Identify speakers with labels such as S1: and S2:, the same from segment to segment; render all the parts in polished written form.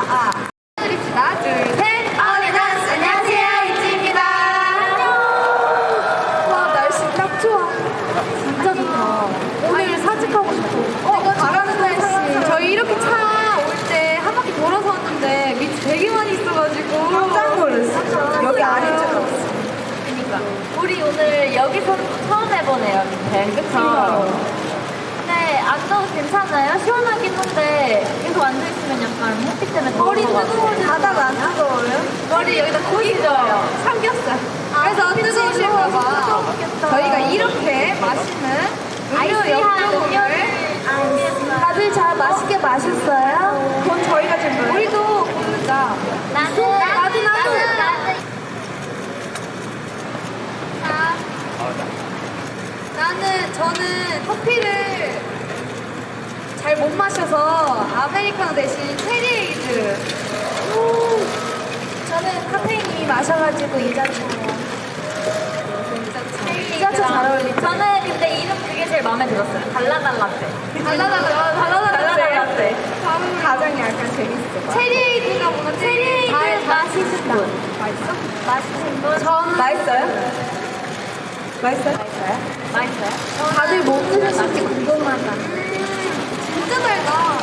S1: 드립시다. 둘, 셋. 아우리단스 안녕하세요. 이지입니다. 와, 날씨 딱 좋아. 진짜 좋다. 오늘 사직하고 싶어. 잘하는 날씨. 저희 이렇게 차 올 때 한 바퀴 돌아서 왔는데 밑이 되게 많이 있어가지고
S2: 깜짝 놀랐어. 여기 안에 좀.
S3: 그러니까 우리 오늘 여기서 처음 해보네요, 밑에. 그쵸? 근데 앉아도 괜찮아요? 시원하긴 한데 계속 앉아있으면 약간 햇빛 때문에
S1: 머리
S3: 더울 것 같아요.
S1: 뜨거워져.
S2: 바다가 안 뜨거워요?
S3: 머리 여기다 고기져요.
S1: 삼겹살. 그래서 뜨거우실까봐 저희가 이렇게 맛있는 음료
S3: 아이스한
S1: 역경을
S2: 다들 잘 맛있게 마셨어요? 그건 저희가 좀
S1: 우리도 고르자.
S3: 나도.
S1: 저는 커피를 잘 못 마셔서 아메리카노 대신 체리에이드.
S2: 저는 카페인이 마셔가지고 이자차요. 이자차 잘 어울리죠?
S3: 저는 근데 이름 그게 제일 마음에 들었어요. 달라달라떼.
S1: 달라달라떼.
S2: 가장 약간 재밌어.
S1: 체리에이드가 뭔가
S3: 체리에이드 맛있는 분.
S1: 맛있어?
S3: 맛있는 분.
S1: 저는
S2: 맛있어요? 맛있어요?
S3: 맛있어요?
S2: 다들 뭐 드셨을지 궁금하다.
S1: 진짜 달다.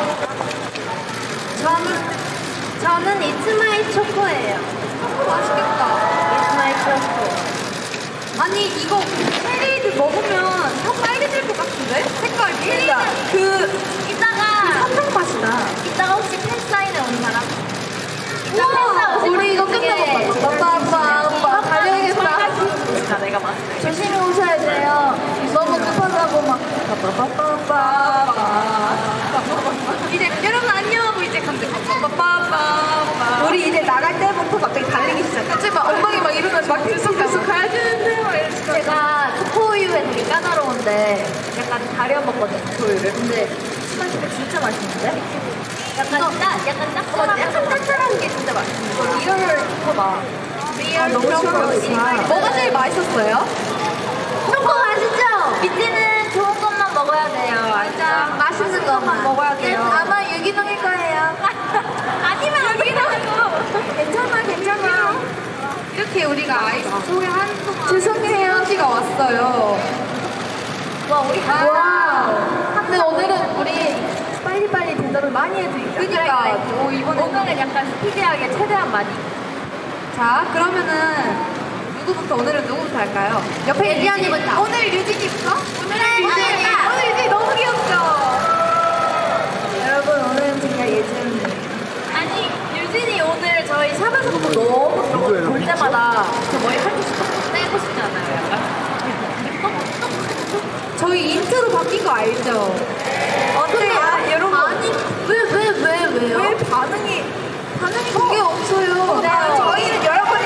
S3: 저는 이츠마이 초코예요.
S1: 맛있겠다.
S3: 이츠마이 초코.
S1: 아니 이거 체리에이드 먹으면 혀 빨개질 것 같은데? 색깔이?
S2: 그러니까
S3: 이따가
S2: 한탕 맛이다.
S3: 이따가 혹시 팬사인회 온 사람?
S1: 우와, 우리 이거 끝나고 빠빠빠빠 달려야겠다.
S3: 내가 봤을 때.
S2: 조심히 오셔야 돼요. 너무 급하다고 막
S1: 이제 여러분 안녕하고 이제 간대. 빠빠빠빠.
S2: 우리 이제 나갈 때부터 갑자기 달리기 시작해.
S1: 갑자기 막 엉덩이 막 이러면서 막 들썩들썩 가야 되는데 막 이러면서.
S3: 제가 초코우유에 되게 까다로운데 약간 가려 먹거든요, 초코우유를. 근데 스마트가 진짜 맛있는데? 약간 짭짤한 게 진짜 맛있어. 이거 리얼 초코다.
S1: 리얼
S2: 너무
S1: 초코.
S2: 시원하다.
S1: 뭐가 제일 맛있었어요?
S3: 초코 맛있죠? 밑에는 좋은 것만 먹어야 돼요.
S1: 맞아. 맛있는 것만 먹어야 돼요.
S2: 아마 유기농일 거예요.
S3: 아니면 여기다고.
S2: 괜찮아.
S1: 이렇게 우리가 아이스 소개하는 동안
S2: 죄송해요.
S1: 편지가 왔어요.
S3: 와, 우리
S2: 근데 오늘은 우리 빨리빨리 대답을 많이 해드릴게요.
S1: 그러니까
S3: 오늘은 약간 스피디하게 최대한 많이.
S1: 자, 그러면은 누구부터 오늘은 누구부터 할까요? 옆에 예지 언니부터. 오늘 유진이부터? 오늘 유진이 너무 귀엽죠?
S2: 여러분 오늘은 제가 예전
S3: 아니, 유진이 오늘 저희 샵에서 보고 너무 볼 때마다 저 머리 하고 싶어. 떼고 싶지 않아요, 약간?
S1: 저희 인트로 바뀐 거 알죠?
S2: 어때요? 여러분
S1: 아니, 왜요?
S2: 왜 반응이
S1: 그게 없어요.
S3: 네.
S2: 저희는 여러분이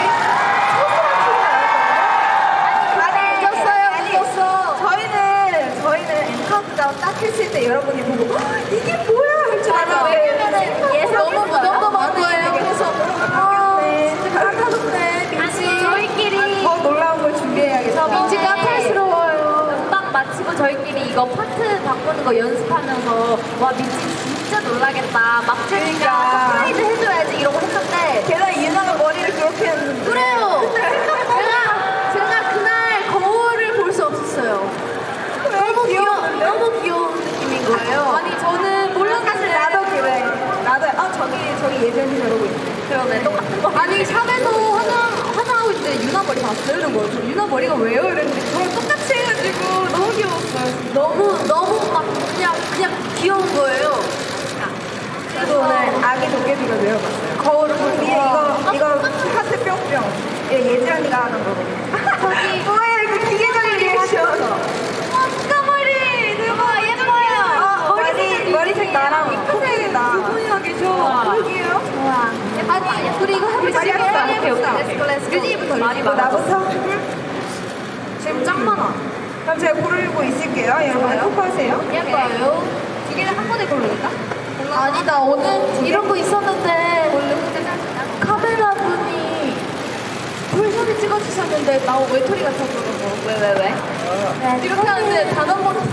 S2: 늦었어요. 저희는 엠카운트다운 딱 했을 때 여러분이 보고 이게 뭐야 할 줄 알았는데
S1: 너무 많은 거예요.
S2: 그래서 진짜 까다롭네.
S3: 아니, 저희끼리
S2: 더 놀라운 걸 준비해야겠다.
S3: 민지
S2: 까탈스러워요.
S3: 연방 마치고 저희끼리 이거 파트 바꾸는 거 연습하면서 와, 민지 진짜 놀라겠다. 막
S2: 그러니까.
S3: 트니까 서프라이즈 해줘야지 이러고 했는데
S2: 게다가 유나가 머리를 그렇게 했는데
S3: 그래요.
S1: 제가 그날 거울을 볼 수 없었어요.
S2: 너무 귀여운데?
S1: 너무 귀여운 느낌인 거예요. 아니, 저는
S2: 사실
S1: 몰랐는데.
S2: 나도 그래. 나도 저기 예전이 저러고 있네.
S3: 그러네, 똑같은 거.
S1: 아니, 샵에서 화장하고 있는데 유나 머리 봤어요? 이런 거예요. 저 유나 머리가 왜요? 이랬는데 저랑 똑같이 해가지고 너무 귀여웠어요. 너무 막 그냥 귀여운 거예요.
S2: 그래도 오늘 아기 도깨비가 되어봤어요. 거울을 보고 이거 하트 뿅뿅. 이거 예지 언니가 하는 거거든요. 뭐야 이거 기계적인 리액션.
S1: 까머리 대박 예뻐요.
S2: 머리색 나랑
S1: 핑크색이다. 두 분이나 계셔.
S2: 그러게요.
S1: 아니, 우리 이거 해보자.
S2: 많이 합시다.
S1: 해봅시다. 유진이부터
S2: 이거 나부터?
S1: 지금 짱 많아.
S2: 그럼 제가 고르고 있을게요. 여러분 토크하세요.
S1: 예뻐요. 두 개를 한 번에 고르니까?
S2: 아니 나 오늘 이런 거 있었는데 카메라 분이 풀소리 찍어주셨는데 나 외톨이 같았더라고.
S3: 왜?
S2: 이렇게 하는데 단 한 번.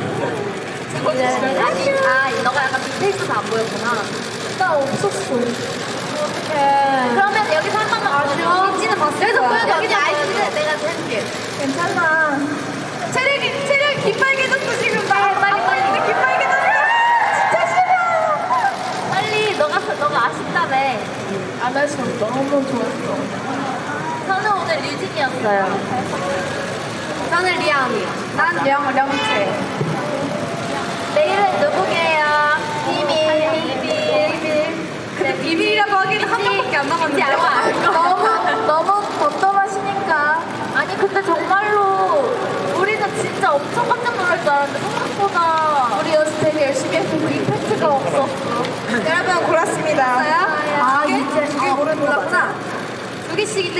S3: 아니, 너가 약간 밑에 있어서 안 보였구나.
S2: 나 없었어.
S1: 어떡해.
S3: 그러면 여기서 한 번만
S1: 아쉬워.
S3: 민지는 봤어.
S1: 여기서 보여줘.
S3: 여기 아이스는 내가 해줄게.
S2: 괜찮아. 체력이 기빨개졌어 지금.
S3: 빨리.
S2: 이제 기빨개졌어. 진짜 싫어.
S3: 빨리 너가 아쉽다며.
S2: 나 지금 너무 좋았어.
S3: 저는 오늘 류진이었어요.
S1: 저는 리아언니.
S2: 난 령채.
S3: 내일은 누구게요? 비밀.
S1: 근데 비밀이라고 하기는 한 명밖에 안 남았는데.
S3: 알고 알고.
S2: 너무 덤덤하시니까.
S3: 아니 근데 정말로 우리는 진짜 엄청 깜짝 놀랄 줄 알았는데 생각보다
S2: 우리 연습 되게 열심히 했는데
S3: 이펙트가 없었어.
S2: 여러분 골랐습니다.
S1: 아,
S2: 이제 두개 고르는 거 맞아?
S1: 두 개씩인데